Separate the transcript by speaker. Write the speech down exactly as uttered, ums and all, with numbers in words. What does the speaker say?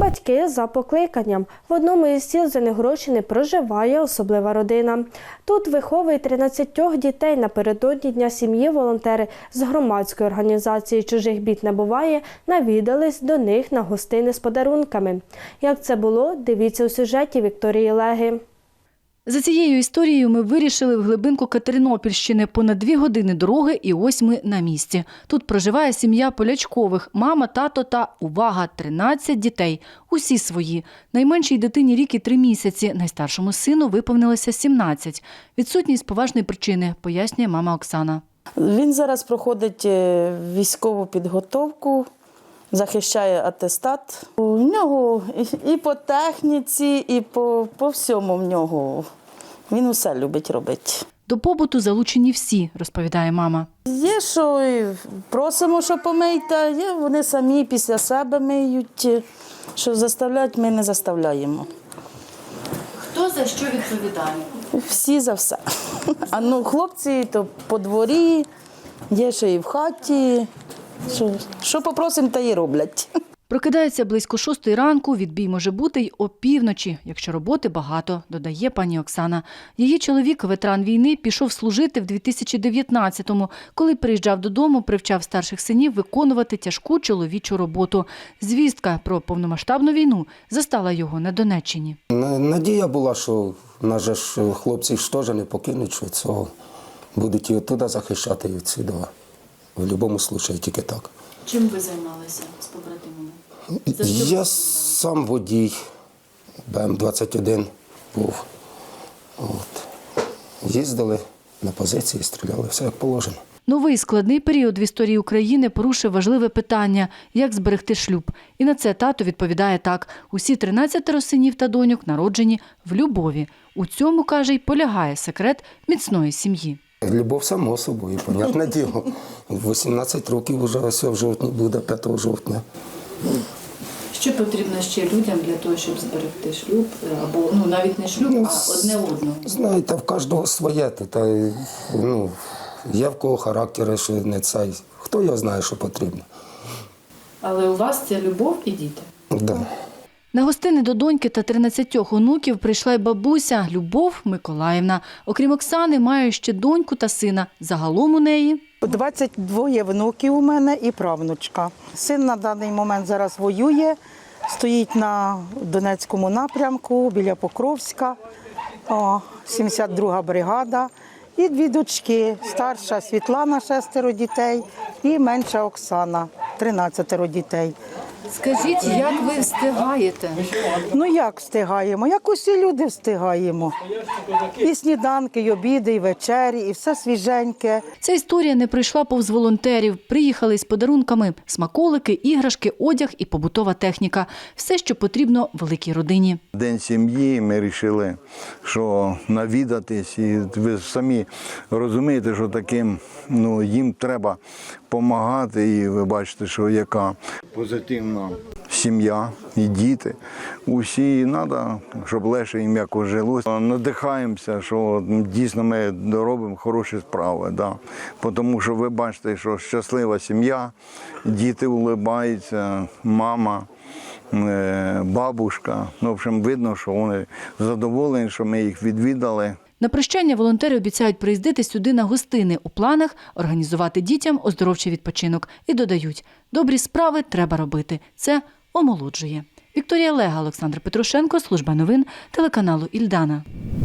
Speaker 1: Батьки за покликанням. В одному із сіл Звенигородщини проживає особлива родина. Тут виховує тринадцять дітей. Напередодні Дня сім'ї волонтери з громадської організації «Чужих бід не буває» навідались до них на гостини з подарунками. Як це було, дивіться у сюжеті Вікторії Леги.
Speaker 2: За цією історією ми вирішили в глибинку Катеринопільщини. Понад дві години дороги і ось ми на місці. Тут проживає сім'я Полячкових. Мама, тато та, увага, тринадцять дітей. Усі свої. Найменшій дитині рік і три місяці. Найстаршому сину виповнилося сімнадцять. Відсутність поважної причини, пояснює мама Оксана.
Speaker 3: Він зараз проходить військову підготовку, захищає атестат. У нього і по техніці, і по, по всьому в нього. Він усе любить робити.
Speaker 2: До побуту залучені всі, розповідає мама.
Speaker 3: Є, що просимо, що помийте, є, вони самі після себе миють. Що заставляють, ми не заставляємо.
Speaker 2: Хто за що відповідає?
Speaker 3: Всі за все. А ну, хлопці то по дворі, є ще і в хаті. Що, що попросимо, та й роблять.
Speaker 2: Прокидається близько шостої ранку, відбій може бути й опівночі, якщо роботи багато, додає пані Оксана. Її чоловік, ветеран війни, пішов служити в дві тисячі дев'ятнадцятому. Коли приїжджав додому, привчав старших синів виконувати тяжку чоловічу роботу. Звістка про повномасштабну війну застала його на Донеччині.
Speaker 4: Надія була, що нас же ж хлопці ж теж не покинуть, що цього будуть і оттуда захищати, і відсюди. В будь-якому випадку тільки так.
Speaker 2: Чим ви займалися з побратимами?
Speaker 4: Я сам водій, Б М двадцять один був. От. Їздили на позиції, стріляли, все як положено.
Speaker 2: Новий складний період в історії України порушив важливе питання – як зберегти шлюб. І на це тато відповідає так. Усі тринадцятеро синів та доньок народжені в любові. У цьому, каже, й полягає секрет міцної сім'ї.
Speaker 4: Любов само собою, понятне діло. вісімнадцять років вже ось в жовтні буде, п'ятого жовтня.
Speaker 2: Що потрібно ще людям для того, щоб зберегти шлюб? Або ну, навіть не шлюб,
Speaker 4: Ну,
Speaker 2: а одне одного?
Speaker 4: Знаєте, в кожного своє. Та, ну, є в кого характери, що не цей. Хто його знає, що потрібно.
Speaker 2: Але у вас це любов і діти?
Speaker 4: Да.
Speaker 2: На гостини до доньки та тринадцятьох онуків прийшла й бабуся Любов Миколаївна. Окрім Оксани, має ще доньку та сина. Загалом у неї
Speaker 5: двадцять два внуків у мене і правнучка. Син на даний момент зараз воює, стоїть на Донецькому напрямку, біля Покровська, о, сімдесят друга бригада. І дві дочки, старша Світлана, шестеро дітей, і менша Оксана, тринадцятеро дітей.
Speaker 2: скажіть, як ви встигаєте?
Speaker 5: Ну як встигаємо? Як усі люди встигаємо. І сніданки, і обіди, і вечері, і все свіженьке.
Speaker 2: Ця історія не прийшла повз волонтерів. Приїхали з подарунками – смаколики, іграшки, одяг і побутова техніка. Все, що потрібно великій родині.
Speaker 6: День сім'ї, ми вирішили, що навідатись. І ви самі розумієте, що таким, ну, їм треба допомагати. І ви бачите, що яка позитивна сім'я і діти. Усі треба, щоб легше і м'яко жилося. Надихаємося, що дійсно ми робимо хороші справи. Да. Тому що ви бачите, що щаслива сім'я, діти улибаються, мама, бабушка. Ну, в общем, видно, що вони задоволені, що ми їх відвідали.
Speaker 2: На прощання волонтери обіцяють приїздити сюди на гостини. У планах – організувати дітям оздоровчий відпочинок. І додають – добрі справи треба робити. Це омолоджує. Вікторія Лега, Олександр Петрушенко, служба новин телеканалу «Ільдана».